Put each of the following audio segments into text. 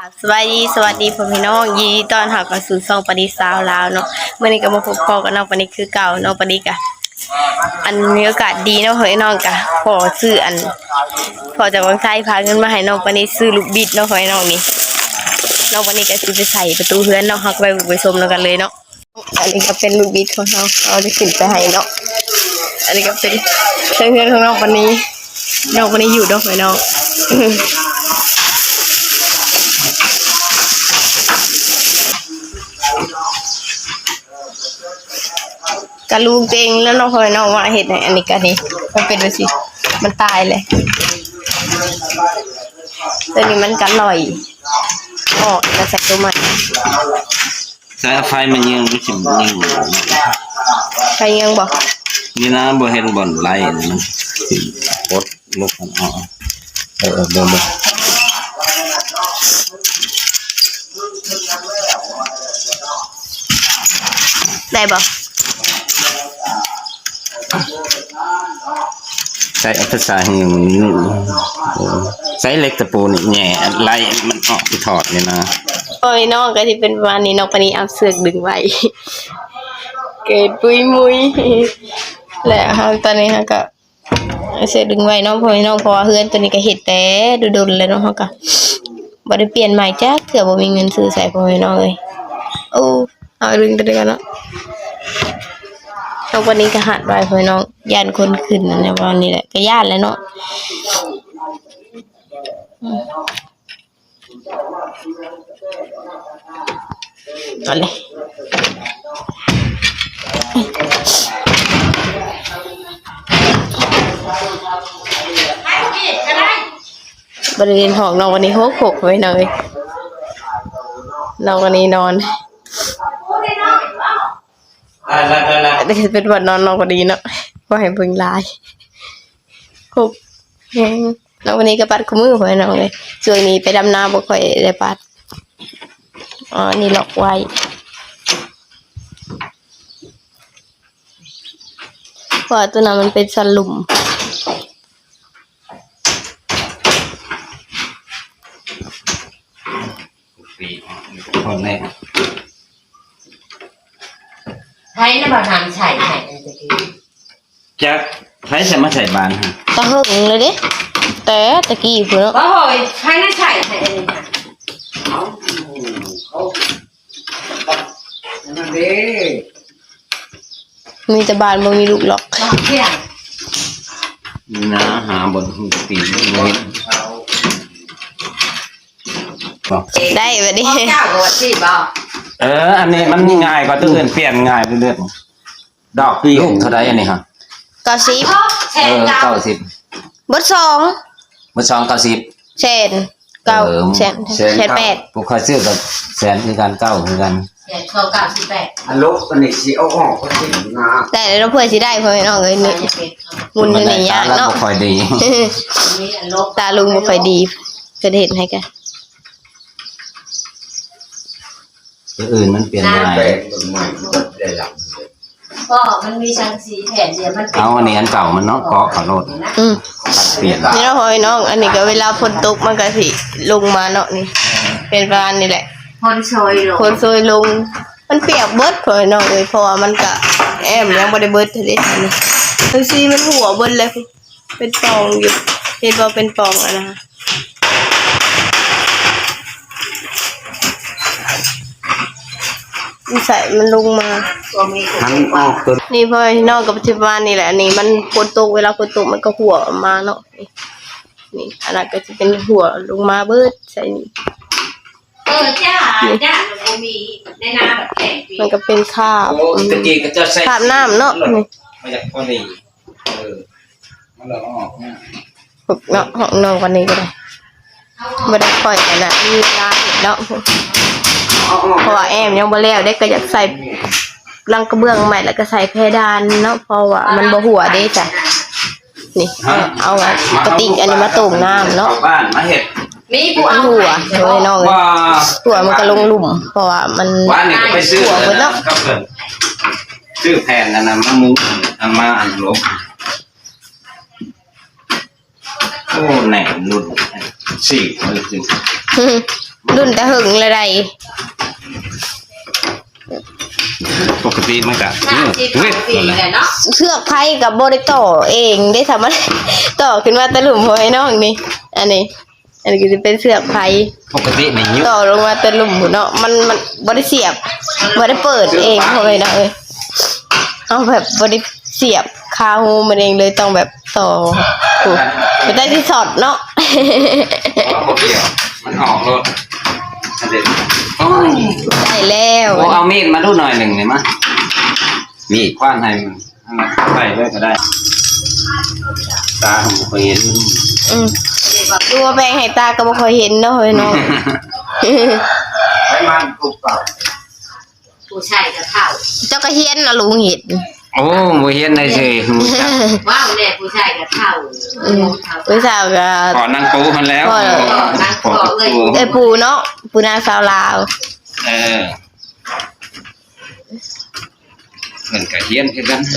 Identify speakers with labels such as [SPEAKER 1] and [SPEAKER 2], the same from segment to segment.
[SPEAKER 1] สวัสดีพ่อพี่น้องยินดีต้อนรับเข้าสู่ช่องปณิสาวลาวเนาะมื้อนี้ก็มาพบกับน้องปณิคือเก่าน้องปณิกะอันมีโอกาสดีเนาะเฮ้ยน้องกะขอซื้อพอจากวังไทยพาเงินมาให้น้องปณิซื้อลูกบิดเนาะเฮ้ยน้องนี่น้องปณิก็สิไปใส่ประตูเฮือนเนาะเฮาก็ไปชมแล้วกันเลยเนาะอันนี้ก็เป็นลูกบิดของเราจะขึ้นไปให้เนาะอันนี้ก็เป็นเฮือนของน้องปณิอยู่เนาะเฮ้ยน้องกะลูกเองแล้วน้องพลอยน้องว่าเห็ดไหนอันนี้กันนี่มันเป็นดูสิมันตายเลยตัวนี้มันกันลอยอ๋อจะใส่ตัวใหม่
[SPEAKER 2] ใช้ไฟมันยังรู้สึกยัง
[SPEAKER 1] ใครยังบอก
[SPEAKER 2] นี่นะบ่เห็นบ่อนไล่มันกดลุกมันอ๋อเบิ่ง
[SPEAKER 1] ได้บอก
[SPEAKER 2] ใช้อัตราหิวใช้เล็กตะปูนี่แง่ไล่มันออกไปถอดเนี่ยนะ
[SPEAKER 1] โอ้ยน้องก็ที่เป็นประมาณนี้น้องปนี้เอาเสือกดึงไว้เกิดปุยมุยแหละฮะตอนนี้ฮะก็เสือกดึงไว้น้องพลอยน้องพอเฮือนตัวนี้ก็เห็ดแต่ดุนเลยน้องเขาก็บ่ได้เปลี่ยนใหม่จ้าเถื่อบ่มีเงินซื้อใส่พลอยน้องเลยโอ้เอาดึงตัวเดียวกันเนาะวันนี้ก็หัดไว้พลอยน้องย่านคนขึ้นนะวันนี้แหละก็ย่านแล้วเนาะเอาเลยบริเวณห้องนอนวันนี้หกไว้หน่อยนอนวันนี้นอนเป็นวันนอนวันนี้เนาะว่าให้เพิ่งลายหกแล้ววันนี้ก็ปัดขมือไว้น้องเลยช่วงนี้ไปดำนาบ่ค่อยได้ปัดอ๋อนี่ล็อกไว้เพราะตัวนั้นมันเป็นสลุม
[SPEAKER 2] คนแรก
[SPEAKER 3] ให้น้ำบาทานใส่ไหนตะกี้
[SPEAKER 2] จะใช้มาใส่บานฮะ
[SPEAKER 1] ตะหึงเลยดิแต่ตะกี้เพื่อน
[SPEAKER 3] ว่าโหยให้น้ำใส่ไหนอันนี้ค่ะนั่นเด้
[SPEAKER 1] มีแต่บานบ่มีลูกหรอก
[SPEAKER 2] นี่นะหาบนหูปีนเลย
[SPEAKER 1] ได้แบบนี้
[SPEAKER 2] อันนี้มันง่ายกว่าตัวอื่นเปลี่ยนง่ายเรื่อยๆดอกปีเท่าไรอันนี้ฮะ
[SPEAKER 1] 90
[SPEAKER 2] 90
[SPEAKER 1] บท2
[SPEAKER 2] บท2 90
[SPEAKER 1] เซน9เซน8
[SPEAKER 2] ผู้คอยซื้อกับแสนคือกัน9คือกัน
[SPEAKER 3] เดี๋ยวเขา98
[SPEAKER 4] อันลบอันนี้สิเอาออกก็สินะ
[SPEAKER 1] แต่เราเพื่อสิได้เพื่อนน้องเอ้ยนี่มุนนี่ยากเนาะ
[SPEAKER 2] บ่ค่อยดี
[SPEAKER 1] ตาลุงบ่ค่อยดีจะเห็นให้กัน
[SPEAKER 2] ตัวอื่นมันเปลี่ยนง่าย
[SPEAKER 3] ก็มันมีชั้นสีแผ่นเดียวมัน
[SPEAKER 2] เอาอันนี้อันเก่ามันเนาะเกาะขอโทษเปลี่ยน
[SPEAKER 1] นี่เนาะเฮ้ยน้องอันนี้ก็เวลาฝนตกมันก็สิลงมาเนาะนี่เป็นประมาณนี้แหละ
[SPEAKER 3] คนซ
[SPEAKER 1] อยลงมันเปียกเบิดเฮ้ยน้องเอ้ยเพราะว่ามันก็แอมยังบ่ได้เบิดเท่านี้นี่คือสิมันหัวเบิดเลยเป็นปองอยู่เห็นบ่เป็นปองอ่ะนะใส่มันลงมา
[SPEAKER 2] ทั้งออกตัว
[SPEAKER 1] นี่พ่อนอกกับปัจจุบันนี่แหละนี่มันฝนตกเวลาฝนตกมันก็หัวออกมาเนาะนี่อันนั้นก็จะเป็นหัวลงมาเบิดใส่นี่
[SPEAKER 3] จ้ามันมีในน้ำแบบแข็ง
[SPEAKER 1] มันก็เป็นคราบคราบน้ำเนาะนี่
[SPEAKER 2] มาจากพอดีมันเราออก
[SPEAKER 1] เนาะห้องนอนวันนี้ก็ได้ไม่ได้ปล่อยกันนะมีลาเห็นเนาะเพราะว่าแอมยังบ่แล้วได้ก็อยากใส่รังกระเบื้องใหม่แล้วก็ใส่เพดานเนาะเพราะว่ามันบ่หัวได้จ้ะนี่เอากระติกอันนี้มาต้มน้ำเนาะ
[SPEAKER 2] บ้านมาเห็ด
[SPEAKER 3] มีผู้เอา
[SPEAKER 1] หัวโดยน้องเลยหัวมันก็ลงหลุมเพราะว่ามัน
[SPEAKER 2] ว่านี่ก็ไปซื้อเนาะซื้อแผ่นนั่นน่ะมามุ้งมาอันลบโอ้แหน่นุ่นสี่เลยจริง
[SPEAKER 1] รุ่นแต่หึงเลยใด
[SPEAKER 2] ปกติมันก็
[SPEAKER 3] น้ำที่
[SPEAKER 2] เว้ย
[SPEAKER 3] ปีเลยเนาะ
[SPEAKER 1] เชือกไผ่กับบริต่อเองได้ทำอะไร ต่อขึ้นมาตะหลุมหัวไอ้น้องนี่อันนี้ก็จะเป็นเสือกไผ่
[SPEAKER 2] ปกติในยุค
[SPEAKER 1] ต่อลงมาตะหลุมหัวเนาะมันบริเสียบบริเปิดเองหัวไอ้น้องเอาแบบบริเสียบคาหูมันเองเลยต้องแบบต่อถูกไปได้ที่สอดเนาะ
[SPEAKER 2] บ่เกี่ยวมันออกรถอันเด็ดโอ้ย
[SPEAKER 1] ได้แล้ว
[SPEAKER 2] โอ้เอามีดมาดูหน่อยหนึ่งเลยมั้ยมีดคว้านให้มันไปเลยก็ได้ตาผมเคยเห็น
[SPEAKER 1] ดูว่าแบงให้ตาก็บ่ค่อยเห็นเนาะเฮ้ยน้อง
[SPEAKER 4] ไอ้มันกูเปล่า
[SPEAKER 3] ผู้ชายจะเท่า
[SPEAKER 1] เจ้าก็เฮียนนะลุงเห็น
[SPEAKER 2] โอ้บ่เห็นได้สิ
[SPEAKER 3] ว้าวเนี่ยผู้ชายจะเท่า
[SPEAKER 1] ผู้สาวก็
[SPEAKER 2] ก่อนนั่งปูมันแล้ว
[SPEAKER 3] นั่งขอเลย
[SPEAKER 1] ไอ้ปูเนาะปูนางสาวลาว
[SPEAKER 2] เออเพิ่นก็เฮียนคือกัน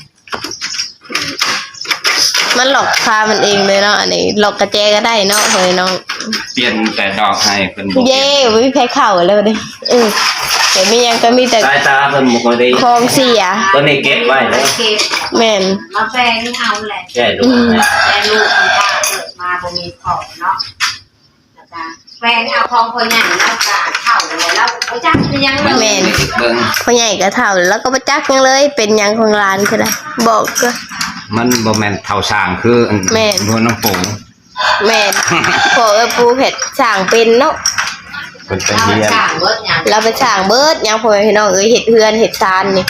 [SPEAKER 1] มันหลอกคามันเองเลยเนาะอันนี้หลอกกระแจก็ได้เนาะเฮ้ยน้อง
[SPEAKER 2] เปลี่ยนแต่ดอกให้เพิ่นบ่
[SPEAKER 1] เย้ไม่มีแพ้เข่าแล้วดิแต่ไม่ยังก็มีแต่
[SPEAKER 2] สายตาเพิ่นบ่ค่อยได้
[SPEAKER 1] คลองเสีย
[SPEAKER 2] ตัวนี้เก็บไว้เด้อ
[SPEAKER 3] เก็บ
[SPEAKER 1] แม่น
[SPEAKER 3] มาแปลงเอาแหละ
[SPEAKER 2] แก้ลูกนะ
[SPEAKER 3] แต่ลูกคุณป้าเกิดมาบ่มีของเนาะแล้วก็แฟนเอาของคนใหญ่แล้วก็เข้าเลยแล้วไปจักยังเลย
[SPEAKER 1] แม่น
[SPEAKER 2] เบิ่ง
[SPEAKER 1] พ่อใหญ่ก็เท่าแล้วก็ประจักยังเลยเป็นหยังของร้านคือได้บอกก็
[SPEAKER 2] มันบ่แม่นเท่าสร้างคืออัน
[SPEAKER 1] แม่น
[SPEAKER 2] หัวน้ำปู
[SPEAKER 1] แม่นพวกปูเผ็ดสั่งเป็นเนาะ
[SPEAKER 2] เพิ่นไป
[SPEAKER 3] เรา
[SPEAKER 2] เรียน
[SPEAKER 3] จ้างเบิดยัง
[SPEAKER 1] เราไปสั่งเบิดหยังพ่อแม่พี่น้องเห็ดเฮือนเห็ดซานนี่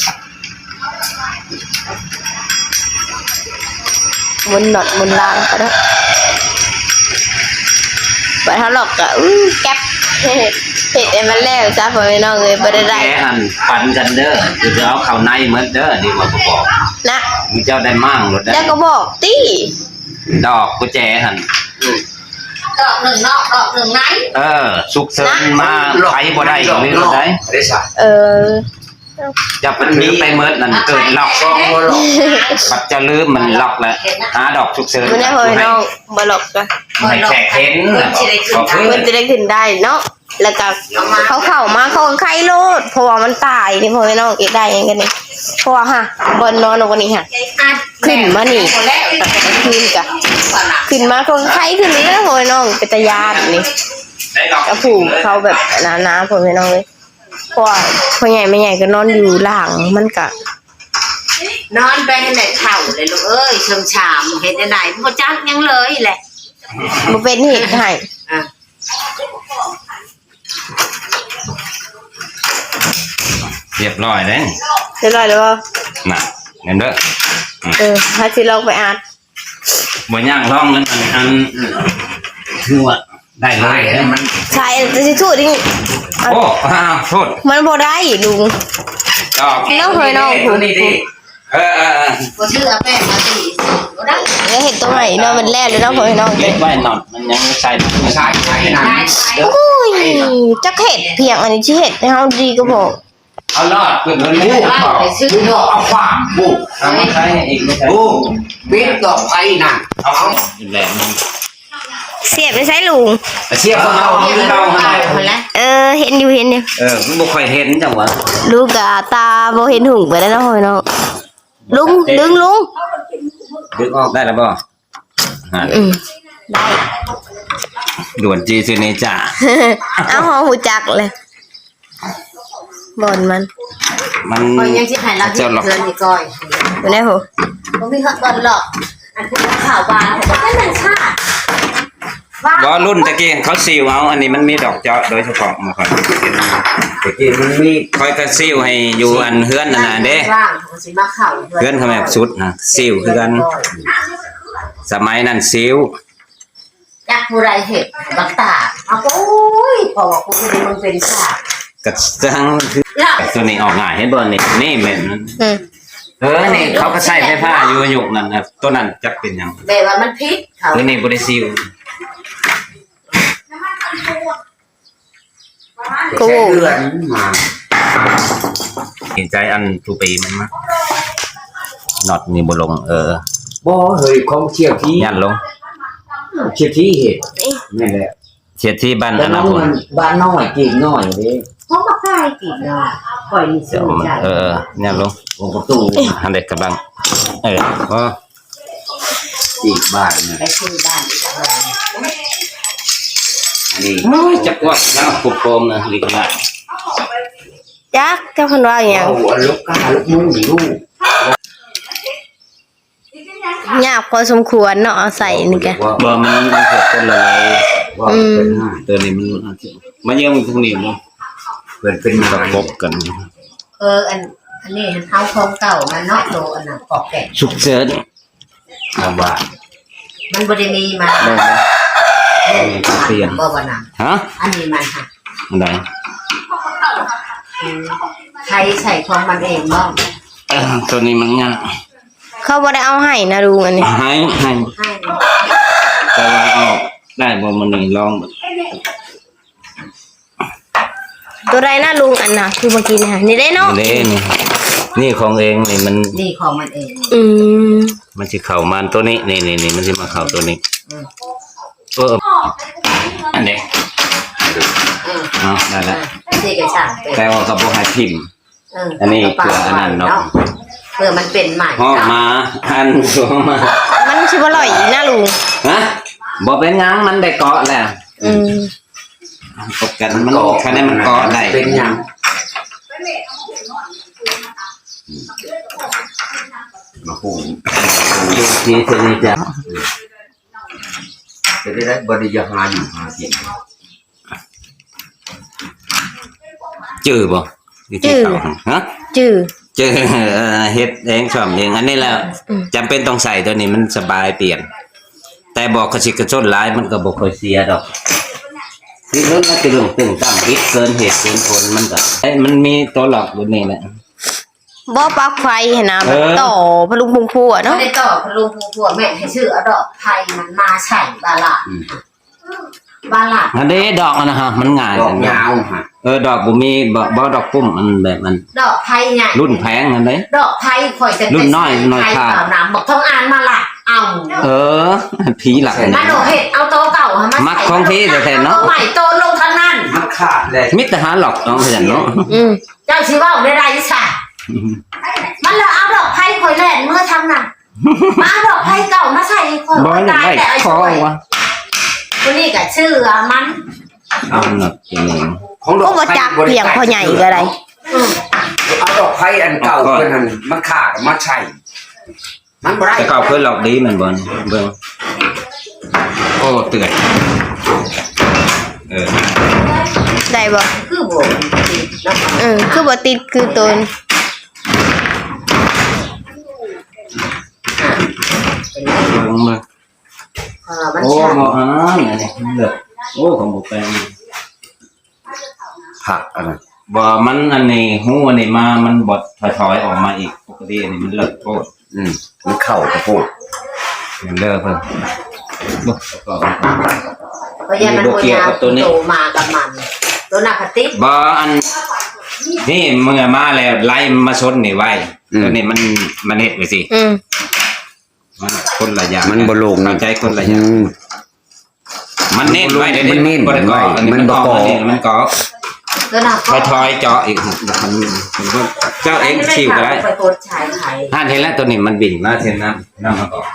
[SPEAKER 1] มุนหนอดมุนลางก็ได้ไปเท่าหรอกก็แก๊ปเห็ดไอ้มันแล้วจ้าพ่อแม่น้องบ่ได้
[SPEAKER 2] แกอันปันกันเด้อคือจะเอาเข้าในเหมือนเด้อนี่ว่าบ่บอก
[SPEAKER 1] นะ
[SPEAKER 2] มึงเจ้าได้มั่งรถได้
[SPEAKER 1] แล้วก็บอกติ
[SPEAKER 2] ดอกกุญแจหั่น
[SPEAKER 3] ดอกหนึ่งนอกดอกหนึ่งใน
[SPEAKER 2] สุกเสริญมาไผบ่ได้ก็มีรถได้
[SPEAKER 4] ได้สัก
[SPEAKER 2] จะเป็นลืมไปเมิดนั่นเกิดล็อก
[SPEAKER 4] ก็บ่หรอก
[SPEAKER 2] บัดจะลืมมันล็อกแล้วหาดอกสุกเสริญ
[SPEAKER 1] บ่ได้พ่อแม่น้องบ่หรอกก็
[SPEAKER 2] ให้แขกเห็นก็คือ
[SPEAKER 1] มันจะได้ขึ้นได้เนาะแล้วก็เขาเข้ามาเขาก็ไข้โลดเพราะว่ามันตายนี่พ่อแม่น้องเก็บได้ยังกันนี่เพราะว่าฮะบนนอนวันนี้ฮะขึ้นมานี่ขึ้นกะขึ้นมาเขาก็ไข้ขึ้นเลยพ่อแม่น้องเป็นตายานนี่
[SPEAKER 2] ได้ดอก
[SPEAKER 1] กระผูกเขาแบบหนาๆพ่อแม่น้องเลยเพราะว่าพ่อใหญ่แม่ใหญ่ก็นอนอยู่หลังมันกะ
[SPEAKER 3] นอนไปให้แหละเข่าเลยลูกเอ้ยเชิงชามเห็นไหนบ่จักยังเลยแหละ
[SPEAKER 1] บ่เป็นเหตุให้
[SPEAKER 3] อ่ะ
[SPEAKER 2] เรียบร้อยแล้ว
[SPEAKER 1] เรียบร้อยแล้วบ่
[SPEAKER 2] น่ะเห็นเด้อ
[SPEAKER 1] ถ้าสิลองไปอ่าน
[SPEAKER 2] บ่ย่างร่องนั้นอันคือว่าได้เลย
[SPEAKER 4] มัน
[SPEAKER 1] ใช่จะสิถูกดิ
[SPEAKER 2] โอ้โทษ
[SPEAKER 1] มันบ่ได้ลุง
[SPEAKER 2] ดอก
[SPEAKER 1] น้องเคยน้องผูก
[SPEAKER 2] นี่ดิเออ
[SPEAKER 3] บ่ชื่อเอาแป้งมาตีบ่ได้
[SPEAKER 1] แล้วเห็นตรงไหนเนาะมันแล่เลยเนาะพ่อแม่น้อง
[SPEAKER 2] เก็บไว้หน่อยมันยังไม่ใส่
[SPEAKER 4] ใช้ใช้นั่น
[SPEAKER 1] โอ้ยจักเห็ดเพียงอันนี้ที่เห็ดให้เฮาดีก็บอก
[SPEAKER 2] เอารอดเพื่อนมันมู
[SPEAKER 3] ว่าไปซื้อดอก
[SPEAKER 4] เอาความบุก
[SPEAKER 2] เอามาใช้อีกไม่ใช่
[SPEAKER 4] บุกเบ็ดดอกไผ่นั่นเอา
[SPEAKER 2] แหลมมัน
[SPEAKER 1] เสียบไปใช้ลุง
[SPEAKER 2] เสียบของเราที่เรา
[SPEAKER 3] เอาไปแล้ว
[SPEAKER 1] เห็นอยู่
[SPEAKER 2] มันบ่ค่อยเห็นจังหวะ
[SPEAKER 1] ลูกกะตาบ่เห็นหุ่งไปแล้วเนาะพ่อแม่น้องลุงดึงลุง
[SPEAKER 2] ดึงออกได้แล้วบ่
[SPEAKER 1] ได้
[SPEAKER 2] ด่วนจีซิเนจ่า
[SPEAKER 1] เอาหอหูจักเลยบ่อนมัน
[SPEAKER 2] มัน
[SPEAKER 3] คอยยังสิให้รับเงินเดือนนี่ก่อย
[SPEAKER 1] อยู่ไหนโห
[SPEAKER 3] บ่มีบอลหรอกอันคือข่าววานแต่ก็มันชาติว่า
[SPEAKER 2] บ่รุ่นตะกี้เขาซีลเอาอันนี้มันมีดอกเจาะโดยเฉพาะมาค่อย
[SPEAKER 4] ตะกี้มันมี
[SPEAKER 2] ค่อยก็ซีลให้อยู่อันเฮือนนั่นน่ะเด้
[SPEAKER 3] ร่างของสิมาเข้า
[SPEAKER 2] เฮือนเขาแบบสุดนะซีลคือกันสมัยนั้นซีล
[SPEAKER 3] จักผู้ใดเห็ดบักตาเอาโอ้ยพอว่ากูคือมึงเป็นชาติ
[SPEAKER 2] ก็จังคือตัวนี้ออกง่ายเห็นบ่นี่แม่น นี่เขาก็ใช้ไฟฟ้าอยู่ยุคนั้นนะตัวนั้นจักเป็นหยัง
[SPEAKER 3] แบบว่ามันพิษเขา
[SPEAKER 2] ตัวนี้บ่ได้ซีล
[SPEAKER 1] ก็
[SPEAKER 4] ใช้
[SPEAKER 1] โห
[SPEAKER 4] เดือนมา
[SPEAKER 2] เห็นใจอันทุปีมันมาน็อตนี่บ่ลง
[SPEAKER 4] บ่เฮ้ยของเชี่ยวที่
[SPEAKER 2] ยันลง
[SPEAKER 4] เชี่ยวที่เห็ดนี่แหละ
[SPEAKER 2] เสียที่บ้าน
[SPEAKER 4] แต่
[SPEAKER 2] อ
[SPEAKER 4] น้
[SPEAKER 2] นา
[SPEAKER 4] อง
[SPEAKER 2] คต
[SPEAKER 4] มันบ้านน้อยกินน้อยดิ
[SPEAKER 3] เขามาใกล้กินเนาะคอยมีซื้อใจ
[SPEAKER 2] เนี่ยลง
[SPEAKER 4] ของประตู
[SPEAKER 2] อันเด็กกำลังอ๋อ
[SPEAKER 4] อีกบ้านเนี่ย
[SPEAKER 3] ไปซื้อบ้านอีกแล้ว
[SPEAKER 4] อันนี้
[SPEAKER 2] โอ้ยจักว่าแล้วคุบโกมนะลิกละ
[SPEAKER 1] จักเจ้าคนว่าอย่าง
[SPEAKER 4] เอาลูกกาลูกมุ้งหรือลูก
[SPEAKER 1] ยากพอสมควรเนาะเอาใส่นี่แก
[SPEAKER 2] บ่มันเกิดคนละลาย
[SPEAKER 4] ว่าเป็นห้า
[SPEAKER 2] ตัวนี้มันเยี่ยมทางนี้มั้ง
[SPEAKER 4] เป็น
[SPEAKER 2] ประกบกัน
[SPEAKER 3] อันนี้เขาของเก่ามันเนาะโตอันน่ะปอกแกะ
[SPEAKER 2] สุกเจิด
[SPEAKER 4] เอาว่า
[SPEAKER 3] มันบริมีมา
[SPEAKER 2] ได้ไหมเปลี่ยน
[SPEAKER 3] บ่วันน่ะ
[SPEAKER 2] ฮะ
[SPEAKER 3] อันนี้มันค่ะ
[SPEAKER 2] อันใด
[SPEAKER 3] ใช้ใส่ของมันเองบ้าง
[SPEAKER 2] ตัวนี้มันง่าย
[SPEAKER 1] เขาบ่ได้เอาให้นะลุงอันนี้
[SPEAKER 2] ให้
[SPEAKER 3] ให้
[SPEAKER 2] แต่ว่าเอาได้บ่มันนี่ลอง
[SPEAKER 1] ตัวใดนะลุงอันน่ะคือเมื่อกี้นี่ค่ะนี่ได้เนาะ
[SPEAKER 2] นี่ของเองนี่มัน
[SPEAKER 3] นี่ของมันเอง
[SPEAKER 1] อืม
[SPEAKER 2] มันสิเข้ามันตัวนี้นี่มันสิมาเข้าตัวนี้อันนี้ได้แล้ว
[SPEAKER 3] นี่ก็ช่างเป็น
[SPEAKER 2] แต่ว่าก็บ่ให้พิมพ์ อันนี้เพื่ออันนั้นเนาะ
[SPEAKER 3] เพื่อมันเป็นใหม่
[SPEAKER 2] ห้องมาอันสวมา
[SPEAKER 1] มันสิบ่อร่อยอีกนะลุง
[SPEAKER 2] ฮะบ่เป็นหยังมันได้เกาะแล้ว
[SPEAKER 1] อืม
[SPEAKER 2] ปกกันมันคะแนนมันเกาะได้
[SPEAKER 4] เป็นยังมาหู
[SPEAKER 2] ทีเทนี้จะ
[SPEAKER 4] จะได้บริยาหาอยู่หากิน
[SPEAKER 2] จื้อบ่วิธีเข้าฮะ
[SPEAKER 1] จื้อ
[SPEAKER 2] จื้อเฮ็ดเองชอบเองอันนี้แล้วจำเป็นต้องใส่ตัวนี้มันสบายเปลี่ยน แต่บอกกระชิกกระชนหลายมันก็บ่ค่อยเสียดอกนี่เรื่องมันเป็นเรื่องตึงตั้งคิดเกินเหตุเกินผลมันก็มันมีตัวหลอกอยู่นี่แหละ
[SPEAKER 1] บ่ปลั๊กไฟเห็นนะมันต่อพลุงพุงพัว
[SPEAKER 3] ไม่
[SPEAKER 1] เนาะ
[SPEAKER 3] ได้ต่อพลุงพวกแม่ให้ชื่อเอาดอกไผ่มันมาใส่บาลาบาลา
[SPEAKER 2] อันนี้ดอกนะฮะมันง่าย
[SPEAKER 4] ดอกยาวฮะ
[SPEAKER 2] ดอกบ่มีบ่ดอกปุ้มมันแบบมัน
[SPEAKER 3] ดอกไผ่ใหญ่
[SPEAKER 2] รุ่นแพงอันนี้
[SPEAKER 3] ดอกไผ่ข่อยจะ
[SPEAKER 2] รุ่นน้อย
[SPEAKER 3] ไผ่
[SPEAKER 2] ค่ะ
[SPEAKER 3] เปล่าน้ำบอกท้องอ่านมาละเอา
[SPEAKER 2] ผีหลัก
[SPEAKER 3] มาโดเห็ดเอาโตเก่ามา
[SPEAKER 2] มักของพี่แต่เนาะ
[SPEAKER 3] ใหม่โตลงทางนั้น
[SPEAKER 4] มันขาดเลย
[SPEAKER 2] มิตรหาหลอกน้องเห็นเนาะ
[SPEAKER 1] อืม
[SPEAKER 3] เจ้าชื่อว่าได้ไรสัตว์มันเลยเอาดอกไผ่ข่อยแล่นเมื่อทำน่ะมาเอาดอกไผ่เก่ามาใส่ข่อย
[SPEAKER 2] บ่ได้
[SPEAKER 3] ตาย
[SPEAKER 2] ไม่
[SPEAKER 3] แต่ไอ้
[SPEAKER 2] คอ
[SPEAKER 3] ช่วยว
[SPEAKER 2] ะ
[SPEAKER 3] คนนี้ก็ชื่อมัน
[SPEAKER 2] เอาหนักจริง
[SPEAKER 4] ของด
[SPEAKER 1] ก็
[SPEAKER 4] อก
[SPEAKER 1] บ่จักเพียงพ่อใหญ่ก็ได้
[SPEAKER 4] เอาดอกไผ่อันเก่าเป็นอันมันขาดมาใช่มันบ่ได้
[SPEAKER 2] แต่เขาเคยหลอกดีเหมือนบอลเบิ่งโอ้เตือน
[SPEAKER 1] ได้บ่
[SPEAKER 3] คือโบกเนาะ
[SPEAKER 1] คือบ่ติดคือตน
[SPEAKER 2] เบิ่งมา
[SPEAKER 3] มัน
[SPEAKER 2] โอ้
[SPEAKER 3] ช่าง
[SPEAKER 2] หมอนี่เลือกโอ้ของบุแปง
[SPEAKER 4] ผักอะไร
[SPEAKER 2] บ่มันอันนี้หูอันนี้มามันบดถอยออกมาอีกปกติอันนี้มันเลิกโอ้
[SPEAKER 4] มันเข้ากระโปง
[SPEAKER 2] มันเลิกเพิ่นบ่ก็
[SPEAKER 3] เพราะยันมันโวยาวโตมากับมันตัวหนักติด
[SPEAKER 2] บ่อันนี่เมื่อมาแล้วไล่มาชนนี่ไว้ตัวนี้มันเฮ็ดไว้สิ
[SPEAKER 1] อืม
[SPEAKER 2] มันคนละอย่าง
[SPEAKER 4] มันบ่ลง
[SPEAKER 2] เข้าใจคนละอย่างมันเน้นไว้เดี๋ยว
[SPEAKER 4] มันเน้น
[SPEAKER 2] บ่ได้ก่ออันนี้
[SPEAKER 4] มั
[SPEAKER 2] มัน น
[SPEAKER 4] บ่
[SPEAKER 2] ก่อ
[SPEAKER 4] ก่อ
[SPEAKER 2] อันนี้มันก่อ
[SPEAKER 3] ตัวหนัก
[SPEAKER 2] ถอยๆเจาะอีกมันก็เจ้าเองชิวก็ได้
[SPEAKER 3] ไปโคตรชายไทย
[SPEAKER 2] ท่านเห็นแล้วตัวนี้มันบิ่งมาเช่นนั้นนั่นมาก่อน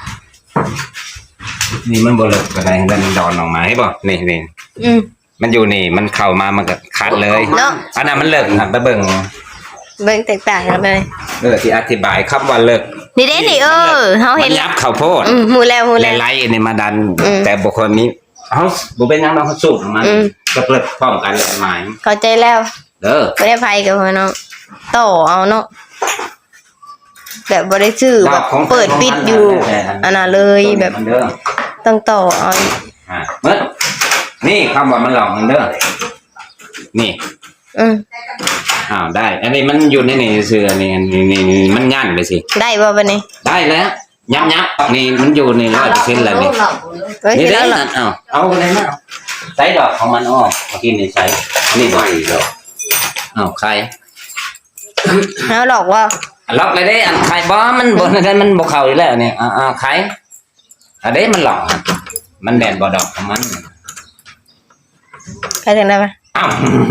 [SPEAKER 2] นี่มันบ่เลิกก็ได้แล้วมันดอนออกมาให้บ่นี่
[SPEAKER 1] อืม
[SPEAKER 2] มันอยู่นี่มันเข้ามามันก็คัดเลย
[SPEAKER 1] เนาะ
[SPEAKER 2] อันนั้นมันเลิกหันไปเบิ่ง
[SPEAKER 1] เบิ่งแตกต่างกันเลย
[SPEAKER 2] ที่อธิบายคำว่าเลิก
[SPEAKER 1] นี่เด้นี่เฮา
[SPEAKER 2] มั
[SPEAKER 1] เห็น
[SPEAKER 2] นยับข้าวโพด
[SPEAKER 1] หมู่แล้ว
[SPEAKER 2] ไล่ๆนี่มาดัน แต่บุคคลนี้เฮาบ่เป็นหยังเฮาสูบออกมาก็เลิกพร้อมกันเลยหมาย
[SPEAKER 1] เข้าใจแล้ว
[SPEAKER 2] เด้อ
[SPEAKER 1] บ่ได้ไผกับพ่อน้องต่อเอาเนาะแบบบ่ได้ซื้อแบบเปิดปิดอยู่อันน่ะเลยแบบ
[SPEAKER 2] มันเด้อ
[SPEAKER 1] ต้องต่อเอา
[SPEAKER 2] เมื่อนี่คำว่ามันหลอกมันเด้อนี่
[SPEAKER 1] อืม
[SPEAKER 2] ได้ อันนี้มันอยู่ในนี่เสือนี่มันงั่นไปสิ
[SPEAKER 1] ได้บ่บัดนี้
[SPEAKER 2] ได้แล้วยับนี่มันอยู่ใน100%แล้วนี่
[SPEAKER 1] เฮ้ย
[SPEAKER 2] นี่
[SPEAKER 1] แล้
[SPEAKER 2] เด้
[SPEAKER 1] ว
[SPEAKER 2] อเอาเลยนะใส่ดอกของมันอ้อเมื่อกี้นี่ใส่นี่ดอกใคร
[SPEAKER 1] เฮาหลอกว่า
[SPEAKER 2] ล็อกเลยเด้อันใครบ่มันบ่นั่นมันบ่เข้าอยู่แล้วนี่ใครอันนี้มันหลอกมันแบนบ่ดอกของมัน
[SPEAKER 1] ใครถึงได้ปะ
[SPEAKER 2] อ้าว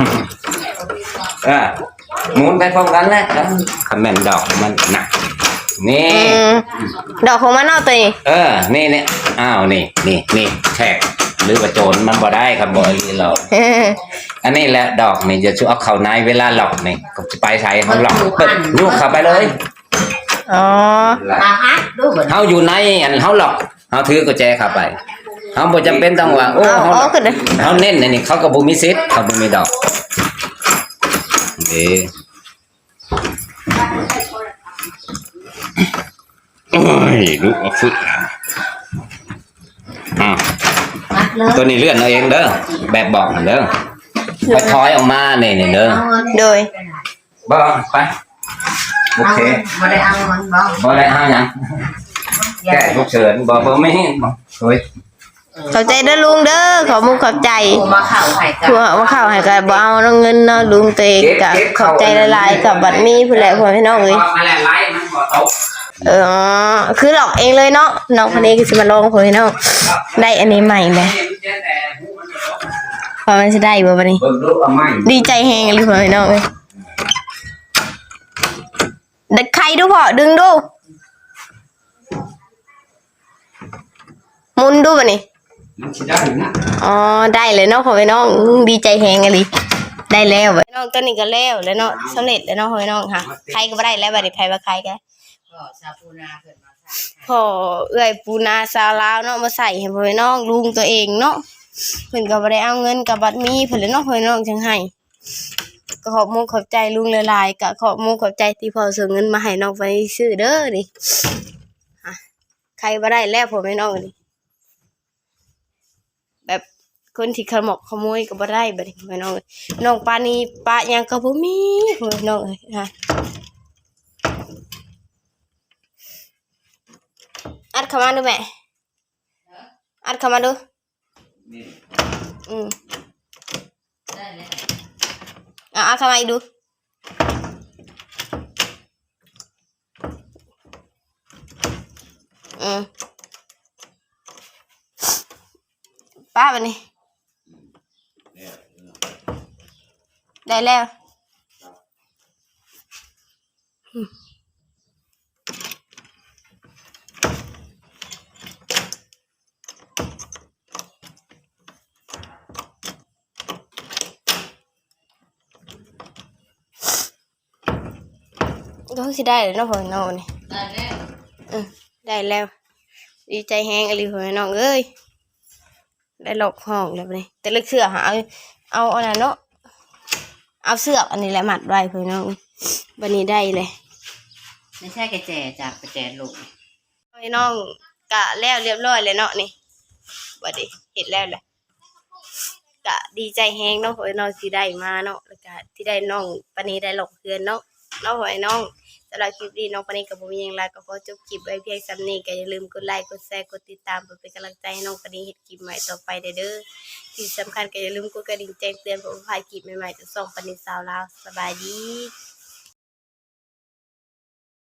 [SPEAKER 2] หมุนไปพร้อมกันแหละคอมเมนต์ดอกมันหนักนี่
[SPEAKER 1] ดอกของมันเนาะตัวนี้
[SPEAKER 2] นี่เนี่ยอ้าวนี่แทกหรือว่าโจรมันบ่ได้ครับบ่อีหรอกอันนี้แหละดอกนี่จะช่วยเอาเข้าในเวลาหลอกนี่ก็จะไปใส่เขาหลอกเปิดยุกเข้าไปเลย
[SPEAKER 1] อ๋อ
[SPEAKER 3] มาฮัดดูเหมือน
[SPEAKER 2] เฮาอยู่ในอันเฮาหลอกเฮาถือกุญแจเข้าไปเฮาบ่จำเป็นต้องว่าโอ้เฮา
[SPEAKER 1] อ๋อคือเด้อ
[SPEAKER 2] เฮาเน้นอันนี้เขาก็บ่มีสิทธิ์เขาบ่มีดอกนี่โอ้ยลูกเอาฝึก
[SPEAKER 3] มัดเลย
[SPEAKER 2] ตัวนี้เลื่อนเอาเองเด้อแบบบอกนั่นเด้อไปถอยออกมานี่เด้อ
[SPEAKER 1] โดย
[SPEAKER 2] บ่ไปโอเค
[SPEAKER 3] บ่ได้เอามันบ่
[SPEAKER 2] บ่ได้เอาหยังแก้ฉุกเฉินบ่ไม่บ่โอ้ย
[SPEAKER 1] ขอบใจเด้อลุงเด้อขอมุกขอบใจ
[SPEAKER 3] กูมาเข่าไข่กั
[SPEAKER 1] ผัวมาเข้าให้ก็บ่เอาเงินเนาะลุงตัวเองก็ขอบใจหลายๆกับบัดมีผู้แหละพ่อพี่น้องเอ้ย
[SPEAKER 2] มาแล้วไล่มันบ่ตก
[SPEAKER 1] คือหลอกเองเลยเนาะน้องคนนี้ก็สิมาลองพ่อพี่น้องได้อันนี้ใหม่แหละพอมันสิได้บ่บัดนี้
[SPEAKER 2] เบิ่งดูเอาไม้
[SPEAKER 1] ดีใจแฮงเลยพ่อพี่น้องเอ้ยเด็กใครดูพ่อดึงดูหมุนดูบัดนี้
[SPEAKER 2] มันสิได้นะ
[SPEAKER 1] อ๋อได้เลยเนาะพ่อพี่น้องดีใจแฮงอะลิได้แล้วบัดน้องตัวนี้ก็แล้วแล้วเนาะสำเร็จแล้วเนาะพ่อพี่น้องค่ะใครก็บ่ได้แล้วบัดนี้ใครว่าใครกัน
[SPEAKER 3] ก็ชาปูนาเกิดมาใส่
[SPEAKER 1] พ่อเอื้อยปูนาซาวลาวเนาะมาใส่ให้พ่อพี่น้องลุงตัวเองเนาะเพิ่นก็บ่ได้เอาเงินกับบัตรมีเพิ่นเลยเนาะพ่อพี่น้องจังให้ก็ขอบมุกขอบใจลุงหลายๆก็ขอบมุกขอบใจที่พ่อส่งเงินมาให้น้องไปซื้อเด้อนี่อ่ะใครบ่ได้แล้วพ่อพี่น้องนี่แบบคนที่ขโมยก็บ่ได้บัดนี้พ่อพี่น้องน้องปานีปะหยังก็บ่มีพ่อพี่น้องเอ้ยค่ะอัดเข้ามาดูแม่อัดเข้ามาดู
[SPEAKER 3] ได้เลย
[SPEAKER 1] อัดเข้ามาอีกดูป้าบันนี้ได้แล้วก็คือได้เลยเนาะพ่อน้องนี่
[SPEAKER 3] ได้แล้ว
[SPEAKER 1] ได้แล้วดีใจแฮงอะไรพ่อน้องเอ้ยได้หลอกห้องแล้วนี่แต่ลึกเสือหาเอาอันนั้นเนาะเอาเสือกอันนี้แหละมัดไว้พ่อน้องบันนี้ได้เลย
[SPEAKER 3] ไม่ใช่กระแจจากกระแจลูก
[SPEAKER 1] พ่อน้องกะแล้วเรียบร้อยเลยเนาะนี่บัดนี้เห็นแล้วแหละกะดีใจแฮงเนาะพ่อน้องที่ได้มาเนาะแล้วก็ที่ได้น้องปานนี้ได้หลอกเพื่อนเนาะพ่อน้องสำหรับคลิปนี้น้องปานนี้กับผมยังไงก็ขอจบคลิปไว้เพียงซ้ำนี้ก็อย่าลืมกดไลค์กดแชร์กดติดตามเพื่อเป็นกำลังใจให้น้องปานนี้เฮ็ดคลิปใหม่ต่อไปเด้อที่สำคัญก็อย่าลืมกดกระดิ่งแจ้งเตือนเพื่อถ่ายคลิปใหม่ๆจากช่องปานนี้สาวลาวสบายดี